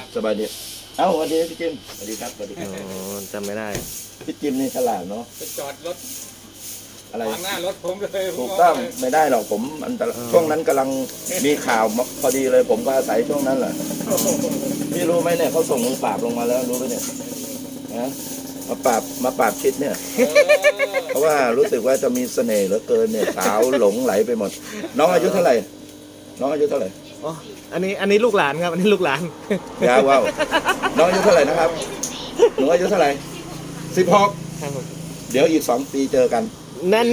สบายดีเอ้าสวัสดีพี่จิมสวัสดีครับสวัสดีครับอ๋อจำไม่ได้พี่จิมนี่ฉลาดเนาะไปจอดรถอะไรขวางหน้ารถผมเลยถูกต้องไม่ได้หรอกผมอันตรายช่วงนั้นกำลังมีข่าวพอดีเลยผมก็อาศัยช่วงนั้นแหละพี่รู้ไหมเนี่ยเขาส่งมือปราบลงมาแล้วรู้ไหมเนี่ยนะมาปราบชิดเนี่ย เพราะว่ารู้สึกว่าจะมีเสน่ห์เหลือเกินเนี่ยสาวหลงไหลไปหมด น้องอายุเท่าไหร่น้องอายุเท่าไหร่อ๋ออันนี้ลูกหลานครับ อันนี้ลูกหลานยาวว้าวน้องอายุเท่าไหร่นะครับหนูอายุเท่าไหร่16เดี๋ยวอีก2 ปีเจอกันแน่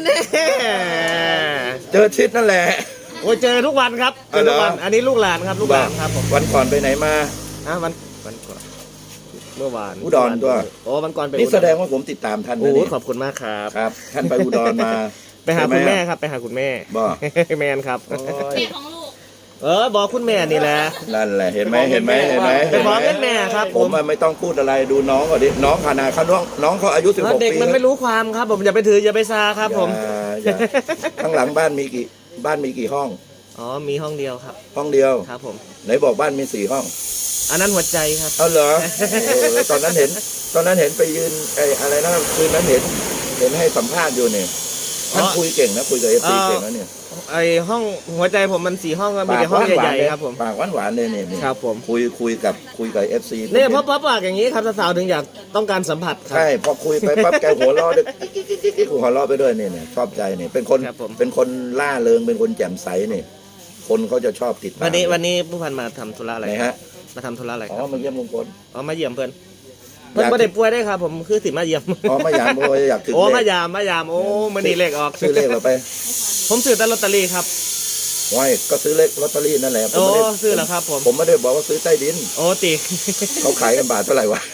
เจอชิดนั่นแหละโอ้ยเจอทุกวันครับเจอทุกวัน อันนี้ลูกหลานครับลูกหลานครับผมวันก่อนไปไหนมาวันก่อนเมื่อวานอุดรด้วยโอ้วันก่อนไปนี่แสดงว่าผมติดตามท่านโอ้นะโหนี่ขอบคุณมากครับครับ ท่านไปอุดรมาไปหาคุณแม่ครับไปหาคุณแม่บ่แมนครับโอ้ยแม่ของลูกบอกคุณแม่นี่แหละนั่นแหละเห็นไหมไปขอเงินแม่ครับผมไม่ต้องพูดอะไรดูน้องก่อนดิน้องขนาดเขาน้องเขาอายุ16 เด็กปีมันไม่รู้ความครับ ผมอย่าไปถืออย่าไปซาครับผมอย่าข้างหลังบ้านมีกี่ห้องอ๋อมีห้องเดียวครับห้องเดียวครับผมไหนบอกบ้านมี4 ห้องอันนั้นหัวใจครับเอาเหรอตอนนั้นเห็นไปยืนไอ้อะไรนะคืนนั้นเห็นให้สัมภาษณ์อยู่เนี่ยท่านคุยเก่งนะคุยกับFCเก่งนะเนี่ยไอห้องหัวใจผมมัน4 ห้องก็มีแต่ห้องใหญ่ๆครับผมปากหวานๆเลยเนี่ยครับผมคุยกับ FC เนี่ยเพราะปากอย่างนี้ครับสาวๆถึงอยากต้องการสัมผัสครับใช่พอคุยไปปั๊บแกหัวเราะด้วยกิ๊กหัวเราะไปด้วยเนี่ยชอบใจเนี่ยเป็นคนครับผมเป็นคนล่าเริงเป็นคนแจ่มใสเนี่ยคนเขาจะชอบติดตามวันนี้ผู้พันมาทำธุระอะไรไหนครัฮะบมาทำธุระอะไรคอ๋รัอบ มาเยี่ยมลุงพลอ๋อมาเยี่ยมเพื่อนไม่ได้ป่วยได้ครับ ผมคือสิมาเยี่ยมอ๋อมายามโอ้ยอยากถึงโอ้เลมาขยามโอ้มันนี่เลขออกซื้อเลขเราไปผมซื้อแต่ลอตเตอรี่ครับว้ายก็ซื้อเลขลอตเตอรี่นั่นแหละผมโอ้ไม่ได้ซื้อแล้วครับผมผมไม่ได้บอกว่าซื้อใต้ดินโอ้ตีเขาขายกันบาทเท่าไหร่วะ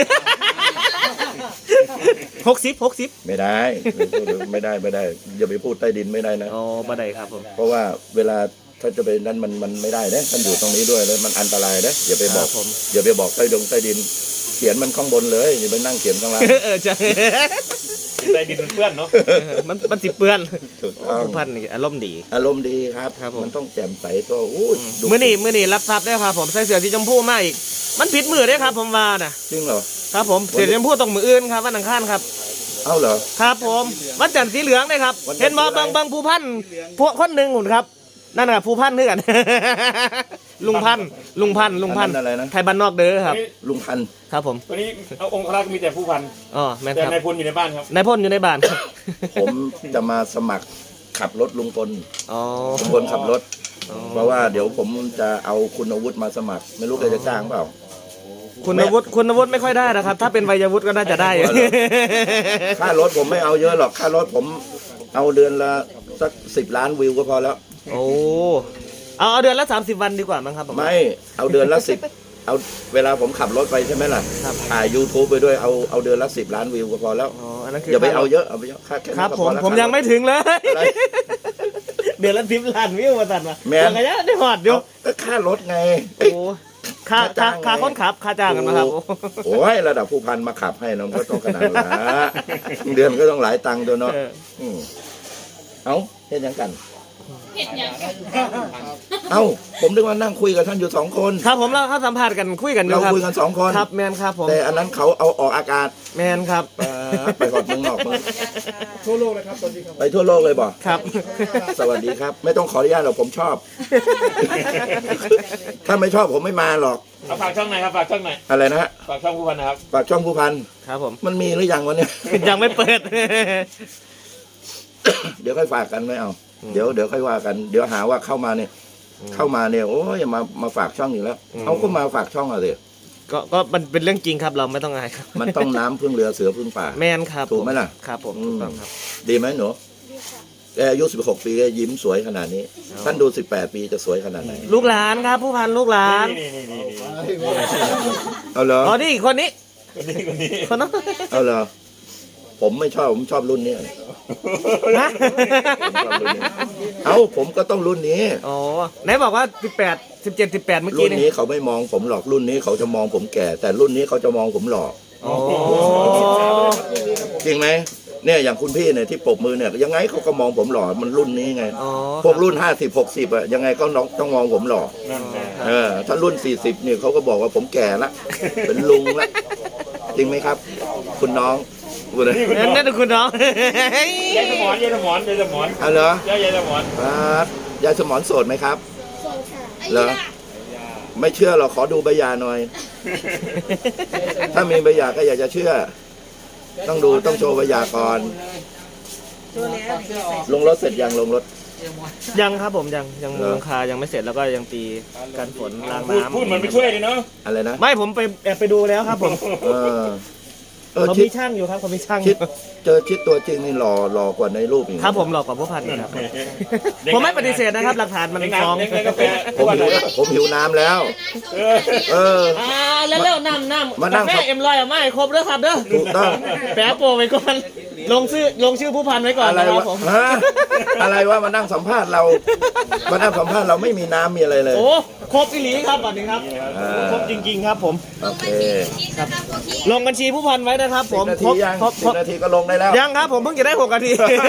60 ไม่ได้ไม่ได้อย่าไปพูดใต้ดินไม่ได้นะโอ้บ่ได้ครับผมเพราะว่าเวลาถ้าจะไปนั้นมันไม่ได้นะท่านอยู่ตรงนี้ด้วยแล้วมันอันตรายนะอย่าไปบอกครับผมอย่าไปบอกใต้ดิน เขียนมันข้างบนเลยอย่าไปนั่งเขียนข้างล่างใช่ใต้ดินมันเปื้อนเนาะมันสิเปื้อนถูกต้องผู้พันนี่อารมณ์ดีอารมณ์ดีครับครับผมมันต้องแจ่มใสก็อู้ดูมื้อนี้รับทรัพย์ได้ครับผมใส่เสื้อสีชมพูมาอีก มันผิดมือได้ครับผมว่าน่ะจริงเหรอครับผมเสื้อสีชมพูต้องมืออื่นครับวันอังคารครับเอ้าเหรอครับผมวันจันทร์สีเหลืองเลยครับวันจันทร์เห็นบ่สีอะไรบางผู้พันพวกคนหนึ่งหุ่นครับนั่นน่ะผู้พันคือกัน ลุงพันธุ์อันนั้นอะไรนะไทยบ้านนอกเด้อครับลุงพันธุ์ครับผมตัวนี้เอาองค์ครักษ์มีแต่ผู้พันอ๋อแม่นแต่ครับนายพลอยู่ในบ้านครับนายพ่นอยู่ในบ้านครับผมจะมาสมัครขับรถลุงพลอ๋อลุงพลขับรถอ๋อเพราะว่าเดี๋ยวผมจะเอาคุณอาวุธมาสมัคร ไม่รู้แกจะจ้างเปล่าคุณอาวุธไม่ค่อยได้นะครับ ถ้าเป็นวัยวุฒิก็น่าจะได้อ๋อเหรอ ค่ารถผมไม่เอาเยอะหรอกค่ารถผมเอาเดือนละสัก10 ล้านวิวก็พอแล้วโอ้เอาเดือนละ30 วันดีกว่ามั้งครับผมไม่เอาเดือนละ10เอาเวลาผมขับรถไปใช่ไหมล่ะครับถ่าย YouTube ไปด้วยเอาเดือนละ10 ล้านวิวก็พอแล้วอ๋ออันนั้นคืออย่าไปเอาเยอะเอาไปเยอะค่าแค่นี้ครับก็ผพมอแล้วผมยังไม่ถึงเลยอะไรเดือนละ10 ล้านวิวมาตัดมาแม่นยังไงเนี่ยได้หอดอยู่ก็ค่ารถไงโอ้ค่าจ้างไงค่าคนขับค่าจ้างกันมาครับโอ้ยระดับผู้พันมาขับให้น้องก็ต้องขนาดนั้นละเดือนก็ต้องหลายตังค์ตัวเนาะเออมเอาเห็นยังกันเห็ดหยังเอ้าผมนึกว่านั่งคุยกับท่านอยู่2 คนครับผมเราเข้าสัมภาษณ์กันคุยกันอยู่เราครับคุยกัน2 คนครับแมนครับผมแต่อันนั้นเขาเอาออกอากาศแมนครับไปกอดมึงนอกมึงทั่วโลกเลยครับตอนนี้ครับไปทั่วโลกเลยบ่ครับสวัสดีครับ ไม่ต้องขออนุญาตหรอกผมชอบ ถ้าไม่ชอบผมไม่มาหรอกเอาฝากช่องไหนครับฝากช่องไหนอะไรนะฮะฝากช่องผู้พันนะครับฝากช่องผู้พันครับผมมันมีหรือยังวะเนี่ยยังไม่เปิดเดี๋ยวค่อยฝากกันไม่เอา เดี๋ยวค่อยว่ากัน เดี๋ยวหาว่าเข้ามาเนี่ยโอ้ยอย่ามาฝากช่องอีกแล้ว เอาก็มาฝากช่องอะไรก็มันเป็นเรื่องจริงครับเราไม่ต้องอายครับมันต้องน้ำพึ่งเรือเสือพึ่งป่าแมนครับถูกไหมล่ะครับผมถูกต้องครับดีไหมหนูแกอายุ16 ปีแกยิ้มสวยขนาดนี้ ท่านดู18 ปีจะสวยขนาดไหนลูกหลานครับ ผู้พันลูกหลานนี่เอาเหรออ๋อนี่คนนี้คนนี้คนนั้นเอาเหรอผมไม่ชอบผมชอบรุ่นนี้ฮะเอาผมก็ต้องรุ่นนี้อ๋อไหนบอกว่า18 17 18เมื่อรุ่กี้นนี่นี้เขาไม่มองผมหรอกรุ่นนี้เขาจะมองผมแก่ แต่รุ่นนี้เขาจะมองผมหล่ออ๋อจริงไหมเนี่ยอย่างคุณพี่เนี่ยที่ปรบมือเนี่ยยังไงเขาก็มองผมหล่อมันรุ่นนี้ไงอ๋อพวกรุ่น50 60อะยังไงก็ต้องมองผมหล่อนั่นแหละคถ้ารุ่น 40เนี่ยเขาก็บอกว่าผมแก่ละเป็นลุงละจริงไหมครับ คุณน้องคุณเลยนั่นคือคุณน้องยายสมอนยายสมอนยายสมอนเอาเหรอยายสมอนยายสมอนโสดไหมครับไอ้เหรอยาไม่เชื่อหรอกขอดูใบหย่าหน่อย ถ้ามีใบหย่าก็อยากจะเชื่อ ต้องดูต้องโชว์ใบหย่าก่อนลงรถเสร็จยังลงรถยังครับผมยังมุงหลังคายังไม่เสร็จแล้วก็ยังตีกันฝนรางน้ำพูดมันไม่ช่วยเลยเนาะอะไรนะไม่ผมไปแอบไปดูแล้วครับผมเออเขาชิมีดช่างอยู่ครับเขามีช่างอชิดยู่เจอชิดตัวจริงนี่หล่อกว่าในรูปอีกครับผมหลอกกว่าผู้พันนี่ครับผมไม่ปฏิเสธนะครับ หลักฐานมันฟ้องเลี้ยงกาแฟผมหิวน้ำแล้ว เออแล้วน้ำมานั่งกาแฟเอ็มลอยไม่ครบเด้อครับเด้อถูกต้องแปะโปรไว้ก่อนลงชื่อผู้พันไว้ก่อนอะไรนะครัวะบผมฮะอะไรวะมานั่งสัมภาษณ์เรามานั่งสัมภาษณ์เราไม่มีน้ำมีอะไรเลยโอ้ครบอีหลีครับบัดนี้ครับอ่าครบจริง ๆ ครับผมโอเคลงบัญชีผู้พันไว้นะครับผม 10 นาทียังครบ 10 นาทีก็ลงได้แล้วยังครับผมเพิ่งจะได้6 นาที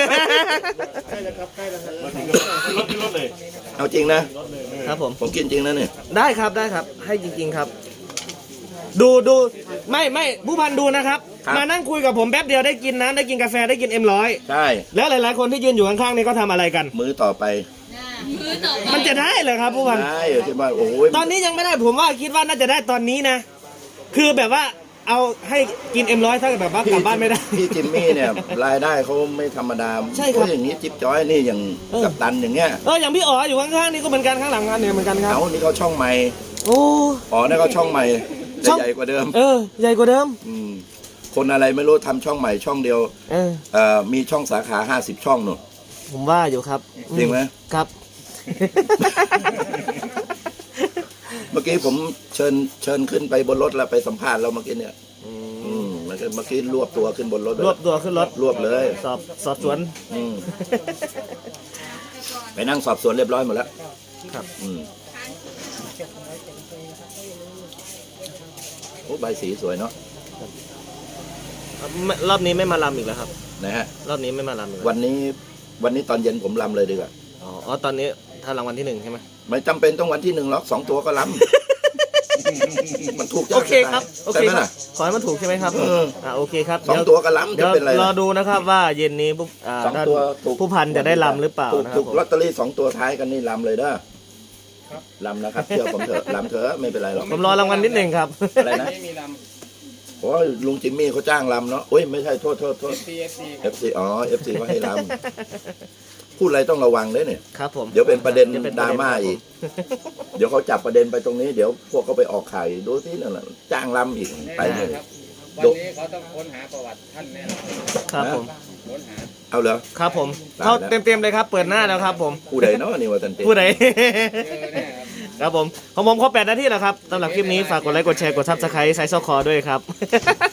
รถเลยเอาจริงนะครับผมผมกินจริงนะเนี่ยได้ครับให้จริง ๆครับ ดูไม่ผู้พันดูนะครับ มานั่งคุยกับผมแป๊บเดียวได้กินน้ำได้กินกาแฟได้กินM100 ใช่แล้วหลายๆคนที่ยืนอยู่ข้างๆนี่ก็ทำอะไรกันมื้อต่อไปมือต่อไปมันจะได้เหรอครับผู้พันได้ที่บ้านโอ้ยตอนนี้ยังไม่ได้ผมว่าคิดว่าน่าจะได้ตอนนี้นะ คือแบบว่าเอาให้กินM100ถ้าแบบว่ากลับบ้านไม่ได้พี่จิมมี่เนี่ยรายได้เขาไม่ธรรมดาใช่ครับเพาะอย่างนี้จิ๊บจ้อยนี่อย่างเออกัปตันอย่างเงี้ยอย่างพี่อ๋ออยู่ข้างๆนี่ก็เหมือนกันข้างหลังกันเนี่ยเหมือนกันครับเอานี่เขาช่องใหม่โอ้อ๋อนี่เขาช่องใหม่ช่องใหญ่กว่าเดิมใหญ่กว่าเดิมมคนอะไรไม่รู้ทำช่องใหม่ช่องเดียวเออมีช่องสาขา50 ช่องหนูผมว่าอยู่ครับจริงไหมครับเมื่อกี้ผมเชิญขึ้นไปบนรถแล้วไปสัมภาษณ์เราเมื่อกี้เนี่ยแล้วก็เมื่อกี้รวบตัวขึ้นบนรถเลยรวบตัวขึ้นรถรวบเลยสอบสวนอืมไปนั่งสอบสวนเรียบร้อยหมดแล้วครับโอ้ใบสีสวยเนาะรอบนี้ไม่มาลำอีกแล้วครับนะฮะรอบนี้ไม่มาลำอีกแล้ววันนี้ตอนเย็นผมลำเลยดีกว่าอ๋อตอนนี้ถ้ารางวัลที่1ใช่ไหมไม่จำเป็นต้องวันที่1หรอก2 ตัวก็ลำ มันถูกโอเคครับโอใช่เคไหมครับล่ะขอให้มันถูกใช่ไหมครับ โอเคครับสองตัวก็ล้ำเดี๋ยวจะเป็นไรรอดูนะครับว่าเย็นนี้สองตัวถูกผู้พันจะได้ลำหรือเปล่านะครับถูกผมลอตเตอรี่2 ตัวท้ายกันนี่ลำเลยเด้อลำนะครับเชื่อผมเถอะลำเถอะไม่เป็นไรหรอกผมรอรางวัลนิดหนึ่งครับอะไรนะโอ้ยลุงจิมมี่เขาจ้างลำเนาะโอ้ยไม่ใช่โทษ FC อ๋อ FC เขาให้ลำพูดอะไรต้องระวังเลยเนี่ยครับผมเดี๋ยวเป็นประเด็นดี๋ยวป็นดราม่าอีก เดี๋ยวเขาจับประเด็นไปตรงนี้ เดี๋ยวพวกเขาไปออกข่าวอีกดูที่นั่นแหละจ้างลำอีกไปเลยวันนี้เขาต้องค้นหาประวัติท่านแน่นอนครับผมค้นหาเอาเหรอครับผมได้เขาแล้วเต็มๆเลยครับ เปิดหน้าแล้วครับผมผู้ใดเนาะนี่ว่าตันเตผู้ใดเจอแน่ครับครับผมของผมครบ8 นาทีแล้วครับสำหรับคลิปนี้ฝากกดไลค์กดแชร์กดซับสไครต์ไซส์ซอคอด้วยครับ